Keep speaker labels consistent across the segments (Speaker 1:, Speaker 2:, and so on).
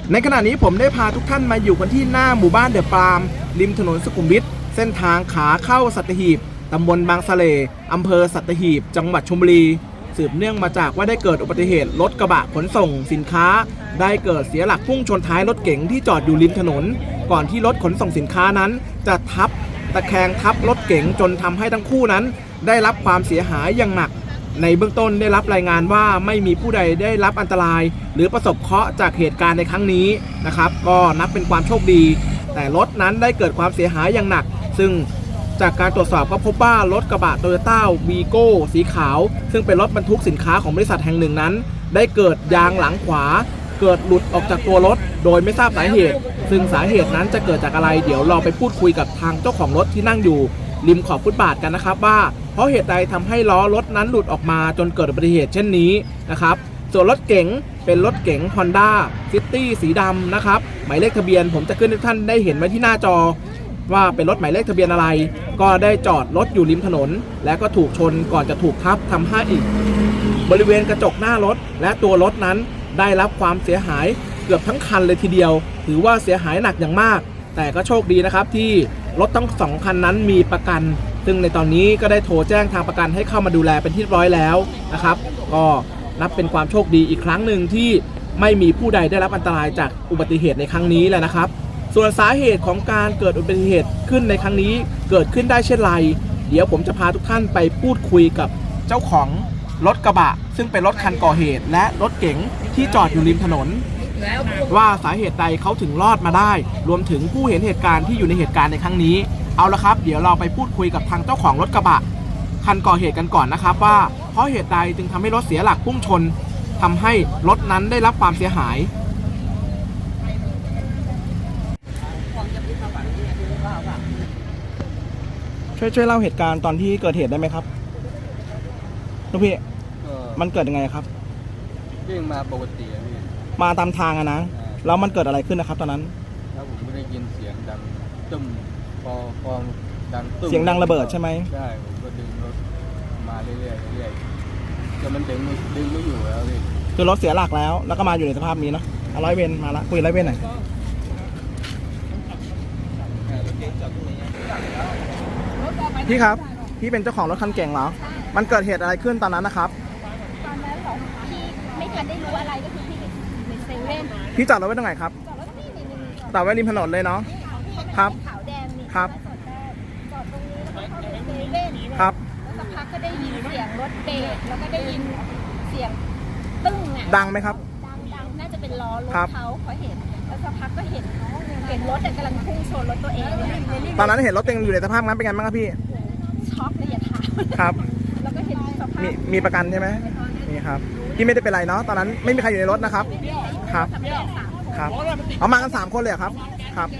Speaker 1: ในขณะนี้ผมได้พาทุกท่านมาอยู่กันที่หน้าหมู่บ้านเดอะปาล์มริมถนนสุขุมวิทเส้นทางขาเข้าสัตหีบตำบลบางสะเลอำเภอสัตหีบจังหวัดชลบุรีสืบเนื่องมาจากว่าได้เกิดอุบัติเหตุรถกระบะขนส่งสินค้าได้เกิดเสียหลักพุ่งชนท้ายรถเก๋งที่จอดอยู่ริมถนนก่อนที่รถขนส่งสินค้านั้นจะทับตะแคงทับรถเก๋งจนทำให้ทั้งคู่นั้นได้รับความเสียหายอย่างหนักในเบื้องต้นได้รับรายงานว่าไม่มีผู้ใดได้รับอันตรายหรือประสบเคราะห์จากเหตุการณ์ในครั้งนี้นะครับก็นับเป็นความโชคดีแต่รถนั้นได้เกิดความเสียหายอย่างหนักซึ่งจากการตรวจสอบก็พบว่ารถกระบะโตโยต้าวีโก้สีขาวซึ่งเป็นรถบรรทุกสินค้าของบริษัทแห่งหนึ่งนั้นได้เกิดยางหลังขวาเกิดหลุดออกจากตัวรถโดยไม่ทราบสาเหตุซึ่งสาเหตุนั้นจะเกิดจากอะไรเดี๋ยวเราไปพูดคุยกับทางเจ้าของรถที่นั่งอยู่ริมขอบฟุตบาทกันนะครับว่าเพราะเหตุใดทำให้ล้อรถนั้นหลุดออกมาจนเกิดอุบัติเหตุเช่นนี้นะครับส่วนรถเก๋งเป็นรถเก๋ง Honda City สีดำนะครับหมายเลขทะเบียนผมจะขึ้นให้ท่านได้เห็นไว้ที่หน้าจอว่าเป็นรถหมายเลขทะเบียนอะไรก็ได้จอดรถอยู่ริมถนนและก็ถูกชนก่อนจะถูกทับทำให้อีกบริเวณกระจกหน้ารถและตัวรถนั้นได้รับความเสียหายเกือบทั้งคันเลยทีเดียวถือว่าเสียหายหนักอย่างมากแต่ก็โชคดีนะครับที่รถทั้ง2คันนั้นมีประกันซึ่งในตอนนี้ก็ได้โทรแจ้งทางประกันให้เข้ามาดูแลเป็นที่เรียบร้อยแล้วนะครับก็นับเป็นความโชคดีอีกครั้งหนึ่งที่ไม่มีผู้ใดได้รับอันตรายจากอุบัติเหตุในครั้งนี้แหละนะครับส่วนสาเหตุของการเกิดอุบัติเหตุขึ้นในครั้งนี้เกิดขึ้นได้เช่นไรเดี๋ยวผมจะพาทุกท่านไปพูดคุยกับเจ้าของรถกระบะซึ่งเป็นรถคันก่อเหตุและรถเก๋งที่จอดอยู่ริมถนนว่าสาเหตุใดเขาถึงรอดมาได้รวมถึงผู้เห็นเหตุการณ์ที่อยู่ในเหตุการณ์ในครั้งนี้เอาละครับเดี๋ยวเราไปพูดคุยกับทางเจ้าของรถกระบะคันก่อเหตุกันก่อนนะครับว่าเพราะเหตุใดจึงทำให้รถเสียหลักพุ่งชนทำให้รถนั้นได้รับความเสียหายช่วยเล่าเหตุการณ์ตอนที่เกิดเหตุได้ไหมครับลูกพี่มันเกิดยังไงครับ
Speaker 2: วิ่งมาปกติพี่
Speaker 1: มาตามทางอะนะแล้วมันเกิดอะไรขึ้นนะครับตอนนั้น
Speaker 2: แล้วผมก็ได้ยินเสียงดังตึ้มพอดังตึ้ม
Speaker 1: เสียงดังระเบิดใช่ไหม
Speaker 2: ใช่ผมก็ดึงรถมาเรื่อยจนมันดึงไม่อยู่แล้วพี่
Speaker 1: คือรถเสียหลักแล้วก็มาอยู่ในสภาพนี้เนาะร้อยเวรมาละคุยร้อยเวรหน่อยพี่ครับพี่เป็นเจ้าของรถคันเก่งเหรอมันเกิดเหตุอะไรขึ้นตอนนั้นนะครับ
Speaker 3: ตอนนั้นเหรอพี่ไม่ทันได้รู้อะไรก็คือพี่ในเซเว่น
Speaker 1: พี่จอดรถไว้ตรงไหนครับจอดไว้ริมถนนเลยเนาะครับ
Speaker 3: ขาวแดงนี่
Speaker 1: ครับ
Speaker 3: จอดตรงนี้แล้วก็เข้าไปเซเว่น
Speaker 1: ครับ
Speaker 3: แล้วสักพักก็ได้ยินเสียงรถเบรกแล้วก็ได้ยินเสียงตึ้งอ่ะ
Speaker 1: ดังไหมครับ
Speaker 3: ดังน่าจะเป็นล้อรถเขาเห็นแล้วสักพักก็เห็นรถกำลังพุ่งชนรถตัวเอง
Speaker 1: ตอนนั้นเห็นรถเต็มอยู่ในสภาพนั้นเป็นไงบ้างครับพี่
Speaker 3: ช็อกเลยอย่าถาม
Speaker 1: ครับ
Speaker 3: แล้วก็เห็นสภาพ
Speaker 1: มีประกันใช่ไหมมีครับพี่ไม่ได้เป็นไรเนาะตอนนั้นไม่มีใครอยู่ในรถนะครับครับครับเอามากัน3คนเลยครับครับ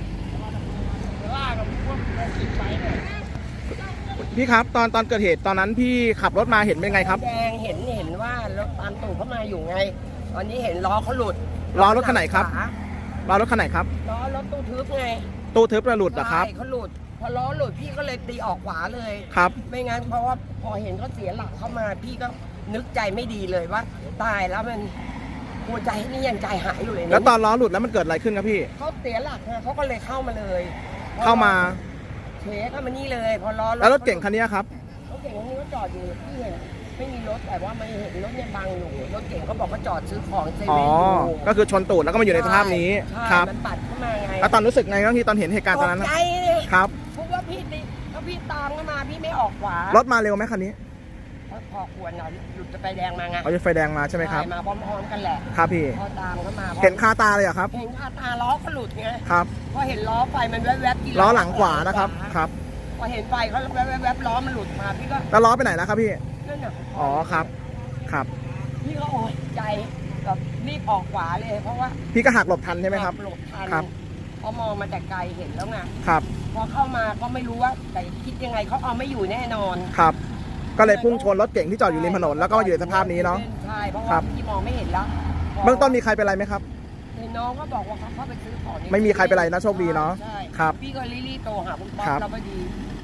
Speaker 1: พี่ครับตอนเกิดเหตุตอนนั้นพี่ขับรถมาเห็นเป็นไงครับ
Speaker 4: แดงเห็นว่ารถตามตู่เข้ามาอยู่ไงตอนนี้เห็นล้อเขาหลุด
Speaker 1: ล้อรถคันไหนครับล้อรถคันไหนครับ
Speaker 4: ล้อรถตู้ทึบไง
Speaker 1: ตู้ทึบหลุดเหรอครับ
Speaker 4: ใช่เขาหลุดพอล้อหลุดพี่ก็เลยตีออกขวาเลย
Speaker 1: ครับ
Speaker 4: ไม่งั้นเพราะว่าพอเห็นเขาเสียหลักเข้ามาพี่ก็นึกใจไม่ดีเลยว่าตายแล้วมันหัวใจนี่ยังใจหายอยู่เลย
Speaker 1: แล้วตอนล้อหลุดแล้วมันเกิดอะไรขึ้นครับพี่
Speaker 4: เขาเสียหลักไงเขาก็เลยเข้ามาเลย
Speaker 1: เข้ามา
Speaker 4: เฉยเข้ามานี่เลยพอล้อ
Speaker 1: แล้วรถเก่งคันนี้ครับ
Speaker 4: รถเก่งคันนี้ก็จอดอยู่พี่เห็นไม่มีรถแต่ว่าไม่เห็นรถเนี่ยบังอยู่รถเก่งเขาบอกว่าจอดซื้อของเซเว่นอยู่
Speaker 1: ก็คือชนตูดแล้วก็มาอยู่ในสภาพนี้ครับ
Speaker 4: มันปัดเข้ามาไง
Speaker 1: แล้วตอนรู้สึกไงบ้างที่ตอนเห็นเหตุการณ์ตอนนั้น
Speaker 4: ใจ
Speaker 1: ครับ
Speaker 4: เพราะว่าพี่ตามเข้ามาพี่ไม่ออกขวาร
Speaker 1: ถมาเร็วไหมคันนี้
Speaker 4: พอควรหน่อยหยุดจะไฟแดงมาไง
Speaker 1: เขาจะไฟแดงมาใช่ไหมครับ
Speaker 4: มาพร้อมๆกันแหละ
Speaker 1: ครับพี่
Speaker 4: พอตามเข้ามา
Speaker 1: เห็นคาตาเลยเหรอครับ
Speaker 4: เห็นคาตาล้อเขาหลุดไง
Speaker 1: ครับ
Speaker 4: พอเห็นล้อไฟมันแวบๆที่
Speaker 1: ล้อหลังขวานะครับครับ
Speaker 4: พอเห็นไฟเขาแวบๆล้อมันหลุดมาพี่ก็
Speaker 1: แล้วล้อไปไหนแล้วครับพี่
Speaker 4: นั่นน่ะ
Speaker 1: อ๋อครับ
Speaker 4: พี่ก็โอ้ยใจแบบรีบออกขวาเลยเพราะว่า
Speaker 1: พี่ก็หักหลบทันใช่ไหมครับ
Speaker 4: หลบทันครับพอมองมาแต่ไกลเห็นแล้วไง
Speaker 1: ครับ
Speaker 4: พอเข้ามาก็ไม่รู้ว่าแต่คิดยังไงเขาเอาไม่อยู่แน่นอน
Speaker 1: ครับก็เลยพุ่งชนรถเก่งที่จอดอยู่ริมถนนแล้วก็อยู่ในสภาพนี้เนาะ
Speaker 4: ใช่เพราะว่าพี่มองไม่เห็นแล้ว
Speaker 1: เบื้องต้นมีใครเป็นไรไหมครับ
Speaker 4: น้องก็บอกว่าเขาเข้าไปซื้อของ
Speaker 1: ไม่มีใครเป็นไรนะโชคดีเนาะ
Speaker 4: ครับพี่ก็รีบโทรหาคุณป๊อปแล้วพอดี